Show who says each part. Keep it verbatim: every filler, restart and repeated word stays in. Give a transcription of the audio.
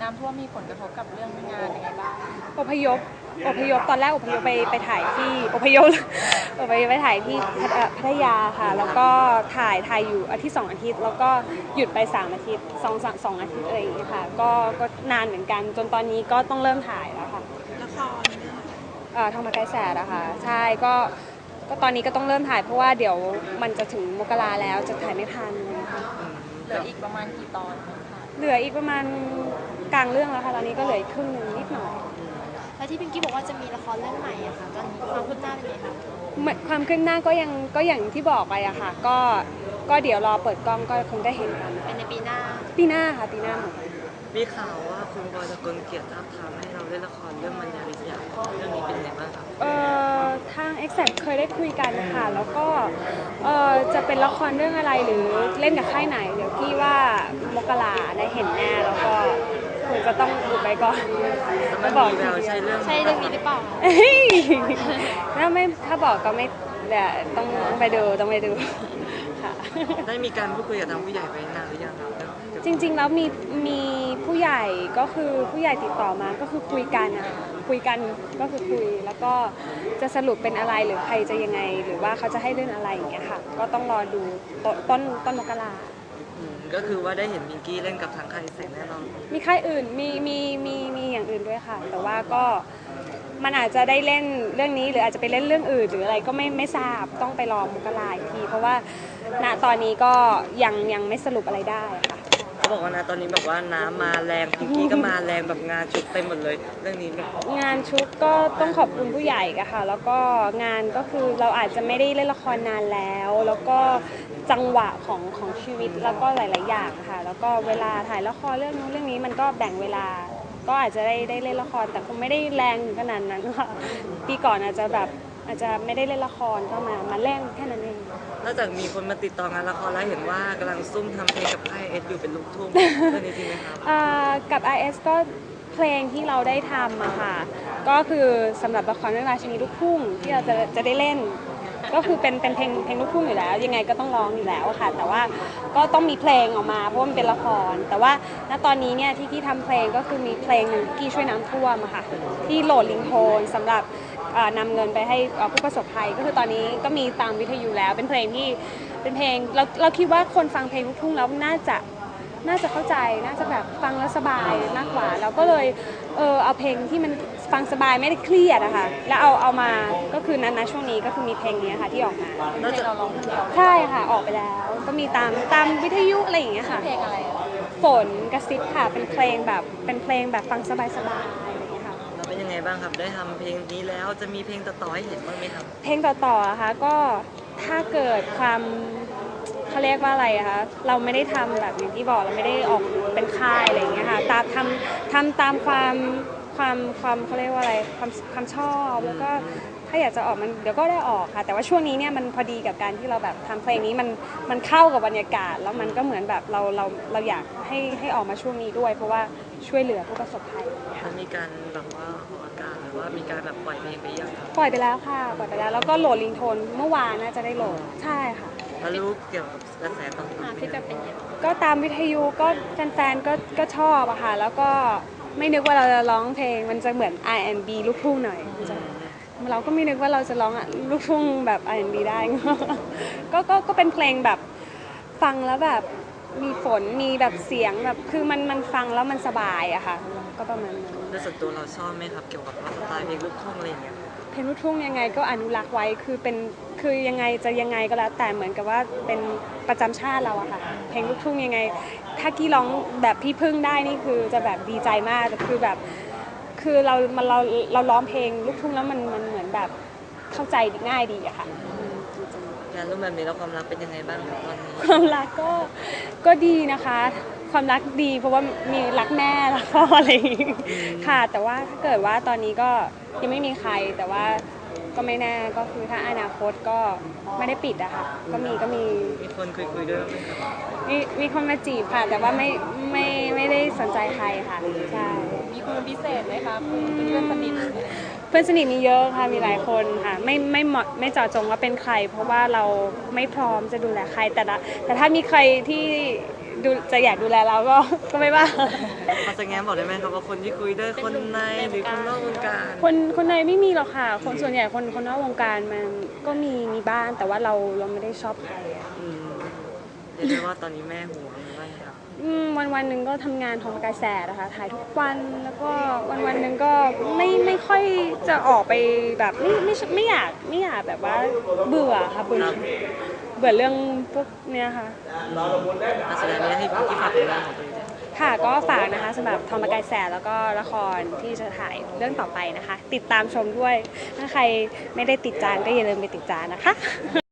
Speaker 1: น้ำท่วมมีผลกระทบกับเรื่องงานยังไงบ้าง
Speaker 2: อพยพอพยพตอนแรกอพยพไปไปถ่ายที่อพยพอพยพไปถ่ายที่พัทยาค่ะแล้วก็ถ่ายถ่ายอยู่อาทิตย์สองอาทิตย์แล้วก็หยุดไปสามอาทิตย์สองสองอาทิตย์อะไรอย่างเงี้ยค่ะก็ก็นานเหมือนกันจนตอนนี้ก็ต้องเริ่มถ่ายแล้วค่ะ
Speaker 1: ละคร
Speaker 2: เอ่อทางมาไกลแสดอะค่ะใช่ก็ก็ตอนนี้ก็ต้องเริ่มถ่ายเพราะว่าเดี๋ยวมันจะถึงมกราแล้วจะถ่ายไม่ทันค่ะ
Speaker 1: เหลืออีกประมาณกี่ตอน
Speaker 2: เหลืออีกประมาณกลางเรื่องแล้วค่ะตอนนี้ก็เหลือครึ่งนึงนิดหน่อย
Speaker 3: แล้วที่พิงกี้บอกว่าจะมีละครเรื่องใหม่อะค่ะตอนนี้ความคืบหน้าเป็นไงคะ
Speaker 2: ความคืบหน้าก็ยังก็อย่างที่บอกไปอะค่ะก็ก็เดี๋ยวรอเปิดกล้องก็คงได้เห็นกัน
Speaker 3: เป็นในปีหน้า
Speaker 2: ปีหน้าค่ะปีหน้า
Speaker 4: มีข่าวว่าคุณบอยตะกลเกียรติท้าทามให้เราเล่นละครเรื่องมันยาวิทยาเรื่องนี้เป็นไงบ้างครับ
Speaker 2: เอ่อทาง Exact เคยได้คุยกันค่ะแล้วก็เอ่อจะเป็นละครเรื่องอะไรหรือเล่นกับค่ายไหนเดี๋ยวพี่ว่ามกราได้เห็นแน่แล้วก็คงจะต้องอุบไปก่อน
Speaker 4: ไม่บอกเราใช่เรื่อง
Speaker 3: ใช่เรื่องนี้หรือเปล่า
Speaker 2: ถ้าไม่ถ้าบอกก็ไม่เดี๋ยวต้องไปดูต้องไปดูค่ะ
Speaker 4: ได้มีการพูดคุยกับทางผู้ใหญ่ไปนานหรือยังครับ
Speaker 2: จริงๆแล้วมีมีผู้ใหญ่ก็คือผู้ใหญ่ติดต่อมาก็คือคุยกันอะคุยกันก็คือคุยแล้วก็จะสรุปเป็นอะไรหรือใครจะยังไงหรือว่าเขาจะให้เล่นอะไรอย่างเงี้ยค่ะก็ต้องรอดูต้นต้นต้นมกรา
Speaker 4: ก็คือว่าได้เห็นมิงกี้เล่นกับทางค่ายแสงแน่นอน
Speaker 2: มีค่ายอื่นมีมีมีมีอย่างอื่นด้วยค่ะแต่ว่าก็มันอาจจะได้เล่นเรื่องนี้หรืออาจจะไปเล่นเรื่องอื่นหรืออะไรก็ไม่ไม่ทราบต้องไปรอมกราอีกทีเพราะว่าณตอนนี้ก็ยังยังไม่สรุปอะไรได้ค่ะ
Speaker 4: เขาบอกว่านะตอนนี้แบบว่าน้ำมาแรงพิงกี้ก็มาแรงแบบงานชุดเต็มหมดเลยเรื่องนี้
Speaker 2: งานชุดก็ต้องขอบคุณผู้ใหญ่กันค่ะแล้วก็งานก็คือเราอาจจะไม่ได้เล่นละครนานแล้วแล้วก็จังหวะของของชีวิตแล้วก็หลายๆอย่างค่ะแล้วก็เวลาถ่ายละครเรื่องนู้นเรื่องนี้มันก็แบ่งเวลาก็อาจจะได้ได้เล่นละครแต่คงไม่ได้แรงขนาดนั้นค่ะปีก่อนอาจจะแบบอาจจะไม่ได้เล่นละครก็มามาเล่นแค่นั้นเอง
Speaker 4: นอกจากมีคนมาติดต่องานละครแล้วเห็นว่ากำลังซุ่มทำเพลงกับค่ายเอสอยู่เป็นลูกทุ่งเรื่องนี้จริงไหมครับ
Speaker 2: กับ ไอ เอส ก็เพลงที่เราได้ทำอะค่ะก็คือสำหรับละครเรื่องราชินีลูกทุ่งที่เราจะจะได้เล่นก็คือเป็นเป็นเพลงเพลงลูกทุ่งอยู่แล้วยังไงก็ต้องร้องอยู่แล้วค่ะแต่ว่าก็ต้องมีเพลงออกมาเพราะมันเป็นละครแต่ว่าณตอนนี้เนี่ยที่ที่ทำเพลงก็คือมีเพลงหนึ่งกี้ช่วยน้ำท่วมอะค่ะที่โหลดลิงโทนสำหรับนำเงินไปให้ผู้ประสบภัยก็คือตอนนี้ก็มีตามวิทยุแล้วเป็นเพลงที่เป็นเพลงเราเราคิดว่าคนฟังเพลงลูกทุ่งแล้วน่าจะน่าจะเข้าใจน่าจะแบบฟังแล้วสบายมากกว่าเราก็เลยเออเอาเพลงที่มันฟังสบายไม่ได้เครียดอะค่ะแล้วเอาเอามาก็คือนั้นนะช่วงนี้ก็คือมีเพลงนี้ค่ะที่ออกมา
Speaker 1: แล้วเราร้องคนเดียว
Speaker 2: ใช่ค่ะออกไปแล้วก็มีตามตามวิทยุอะไรอย่างเงี้ยค่ะ
Speaker 1: เพลงอะไร
Speaker 2: ฝนกระซิบค่ะเป็นเพลงแบบเป็นเพลงแบบฟังสบายสบายอะไรอย่างเงี้ยค่ะ
Speaker 4: แล้วเป็นยังไงบ้างครับได้ทำเพลงนี้แล้วจะมีเพลงต่อๆให้เห็นบ้างไหมครับ
Speaker 2: เพลงต่อๆอะค่ะก็ถ้าเกิดความเขาเรียกว่าอะไรอะคะเราไม่ได้ทำแบบอย่างที่บอกเราไม่ได้ออกเป็นค่ายอะไรอย่างเงี้ยค่ะตามทำทำตามความความความเขาเรียกว่าอะไรความความชอบแล้วก็ถ้าอยากจะออกมันเดี๋ยวก็ได้ออกค่ะแต่ว่าช่วงนี้เนี่ยมันพอดีกับการที่เราแบบทำเพลงนี้มันมันเข้ากับบรรยากาศแล้วมันก็เหมือนแบบเราเราเราอยากให้ให้ออกมาช่วงนี้ด้วยเพราะว่าช่วยเหลือผู้ประสบภัย
Speaker 4: มันมีการแบบว่าออกอากาศหรือว่ามีการแบบปล่อยเพลงไปยังครับ
Speaker 2: ปล่อยไปแล้วค่ะปล่อยไปแล้วแล้วก็โหลดลิงโทนเมื่อวานน่าจะได้โหลดใช่ค่ะ
Speaker 4: แล้วรู้เกี่ยวกับกระแสตอบรับ
Speaker 3: ที่จะเป็นยังไง
Speaker 2: ก็ตามวิทยุก็แฟนๆก็ก็ชอบอะค่ะแล้วก็ไม่นึกว่าเราจะร้องเพลงมันจะเหมือน อาร์ แอนด์ บี ลูกทุ่งหน่อยเราก็ไม่นึกว่าเราจะร้องลูกทุ่งแบบ อาร์ แอนด์ บี ได้ก็ก็ก็เป็นเพลงแบบฟังแล้วแบบมีฝนมีแบบเสียงแบบคือมันมันฟังแล้วมันสบายอะค่ะก็ประมาณนั้น
Speaker 4: แล้วส่วนตัวเราชอบไหมครับเกี่ยวกับสไตล์เพลงลูกทุ่งอะไรอย่างเงี้ย
Speaker 2: เพลงลูกทุ่งยังไงก็อนุรักษ์ไว้คือเป็นคือยังไงจะยังไงก็แล้วแต่เหมือนกับว่าเป็นประจำชาติเราอะค่ะเพลงลูกทุ่งยังไงถ้ากี้ร้องแบบพี่พึ่งได้นี่คือจะแบบดีใจมากแต่คือแบบคือเรามันเราเราร้องเพลงลูกทุ่งแล้วมันมันเหมือนแบบเข้าใจง่ายดีอะค่ะ
Speaker 4: งานรูปแบบนี้แล้วความรักเป็นยังไงบ้างตอนนี้
Speaker 2: ความรักก็ก็ดีนะคะความรักดีเพราะว่ามีรักแม่แล้วก็อะไรค่ะแต่ว่าถ้าเกิดว่าตอนนี้ก็ยังไม่มีใครแต่ว่าก็ไม่แน่ก็คือถ้าอนาคตก็ไม่ได้ปิดอะค่ะก็มีก็มี
Speaker 4: มีคนคุยคุยด้วยไหมครับ
Speaker 2: มีมีคนมาจีบค่ะแต่ว่าไม่ไม่ไม่ได้สนใจใครค่ะใช่
Speaker 1: มีคนพิเศษไหมคะเป็นเพื่อนสนิท
Speaker 2: เพื่อนสนิทมีเยอะค่ะมีหลายคนค่ะไม่ไม่เหมาะไม่เจาะจงว่าเป็นใครเพราะว่าเราไม่พร้อมจะดูแลใครแต่ละแต่ถ้ามีใครที่ดูจะอยากดูแลเราก็ก็ไม่ว่า
Speaker 4: พอจะแง้มบอกได้ไหมครับว่าคนที่คุยด้วยคนในหรือคนนอกวงการ
Speaker 2: คนคนในไม่มีหรอกค่ะ คนส่วนใหญ่คนคนนอกวงการมันก็มีมีบ้างแต่ว่าเราเราไม่ได้ชอบใครอะ
Speaker 4: อืมเรียกได้ว่าตอนนี้แม่ห่วงหรือว่าไงครับ
Speaker 2: อืมวันวันหนึ่งก็ทำงานของประกายแสดนะคะถ่ายทุกวันแล้วก็วันวันหนึ่งก็ไม่ไม่ค่อยจะออกไปแบบไม่ไม่ไม่อยากไม่อยากแบบว่าเบื่อค่ะเบื่อเบื่อเรื่องพวกเนี้ยค่ะ
Speaker 4: อาแสดงนี้ให้พี่ฝากผลงานของตัวเองด้วย
Speaker 2: ค่ะก็ฝากนะคะสำหรับทอมประกายแสดแล้วก็ละครที่จะถ่ายเรื่องต่อไปนะคะ ติดตามชมด้วยถ้าใครไม่ได้ติดจานก็อย่าลืมไปติดจานนะคะ